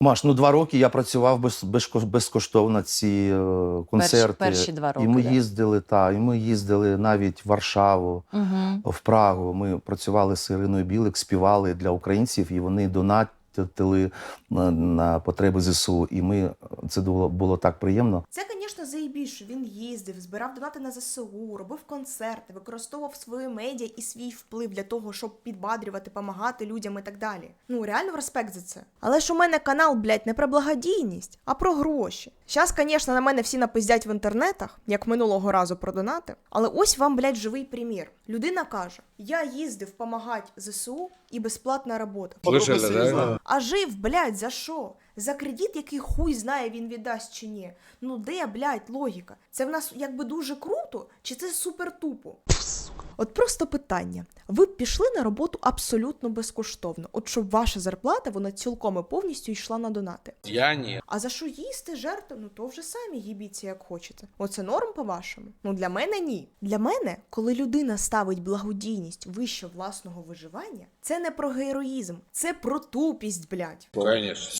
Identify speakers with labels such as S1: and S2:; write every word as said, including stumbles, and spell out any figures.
S1: Маш, ну два роки я працював без, без, безкоштовно ці е, концерти.
S2: Перші, перші два роки,
S1: І ми
S2: да.
S1: їздили, та, і ми їздили навіть в Варшаву,
S2: Угу.
S1: в Прагу. Ми працювали з Іриною Білик, співали для українців, і вони донатили на, на потреби ЗСУ. І ми, це було, було так приємно.
S3: Це, звісно, заєбісь, що він їздив, збирав донати на ЗСУ, робив концерти, використовував свої медіа і свій вплив для того, щоб підбадрювати, допомагати людям і так далі. Ну, реально респект за це. Але ж у мене канал, блядь, не про благодійність, а про гроші. Щас, звісно, на мене всі напиздять в інтернетах, як минулого разу про донати, але ось вам, блядь, живий примір. Людина каже, я їздив помагати ЗСУ і безплатна робота.
S4: Слышали, да?
S3: А жив, блядь, за що? За кредит, який хуй знає, він віддасть чи ні. Ну де, блядь, логіка? Це в нас якби дуже круто, чи це супер тупо? От просто питання. Ви б пішли на роботу абсолютно безкоштовно, от щоб ваша зарплата, вона цілком і повністю йшла на донати.
S4: Я ні.
S3: А за що їсти, жерти? Ну то вже самі їбіться, як хочете. Оце норм по-вашому? Ну для мене ні. Для мене, коли людина ставить благодійність вище власного виживання, це не про героїзм, це про тупість, блядь.
S4: Конечно.